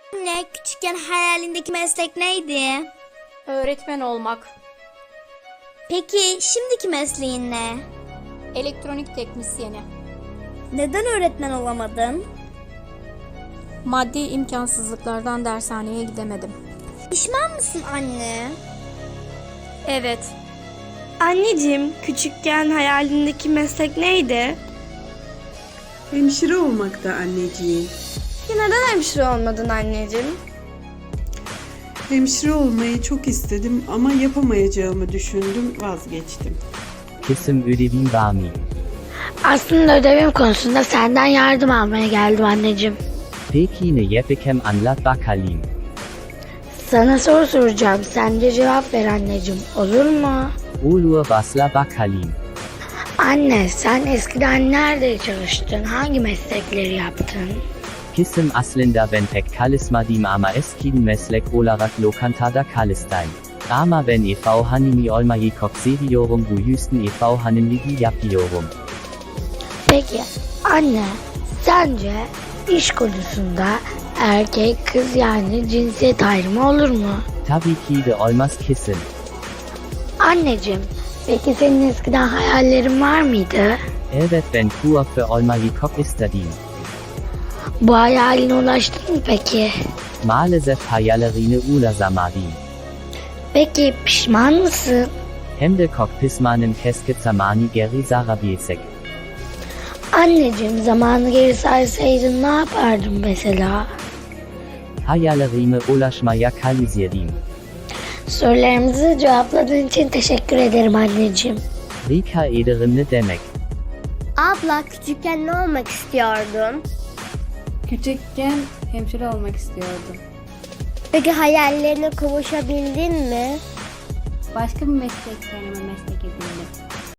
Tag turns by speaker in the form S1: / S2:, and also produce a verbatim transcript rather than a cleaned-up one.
S1: Anne, küçükken hayalindeki meslek neydi?
S2: Öğretmen olmak.
S1: Peki şimdiki mesleğin ne?
S2: Elektronik teknisyeni.
S1: Neden öğretmen olamadın?
S2: Maddi imkansızlıklardan dershaneye gidemedim.
S1: Pişman mısın anne?
S2: Evet.
S3: Anneciğim, küçükken hayalindeki meslek neydi?
S4: Hemşire olmakta anneciğim.
S3: Neden hemşire olmadın anneciğim?
S4: Hemşire olmayı çok istedim ama yapamayacağımı düşündüm, vazgeçtim.
S5: Kısım ödevin var mı?
S6: Aslında ödevim konusunda senden yardım almaya geldim anneciğim.
S5: Peki ne yapacağım anlat bakalım.
S6: Sana soru soracağım. Sen de cevap ver anneciğim. Olur mu?
S5: Olur basla bakalım.
S6: Anne, sen eskiden nerede çalıştın? Hangi meslekleri yaptın?
S5: Kısım aslında ben pek çalışmadım ama eskiden meslek olarak lokantada çalıştım. Ama ben ev hanımı olmayı çok seviyorum, bu yüzden ev hanımlığı yapıyorum.
S6: Peki anne, sence iş konusunda erkek kız yani cinsiyet ayrımı olur mu?
S5: Tabii ki de olmaz kısım.
S6: Anneciğim, peki senin eskiden hayallerin var mıydı?
S5: Evet ben kuaför olmayı çok istedim.
S6: Bu hayaline ulaştın mı peki?
S5: Maalesef hayallerine ulaşamadım.
S6: Peki pişman mısın?
S5: Hem de çok pişmanım, keşke zamanı geri sarabilsek.
S6: Anneciğim, zamanı geri sarsaydın ne yapardın mesela?
S5: Hayallerime ulaşmaya çalışırdım.
S6: Sorularımızı cevapladığın için teşekkür ederim anneciğim.
S5: Rica ederim ne demek.
S1: Abla, küçükken ne olmak istiyordun?
S7: Küçükken hemşire olmak istiyordum.
S1: Peki hayallerine kavuşabildin mi?
S7: Başka bir meslek kendime meslek edindim.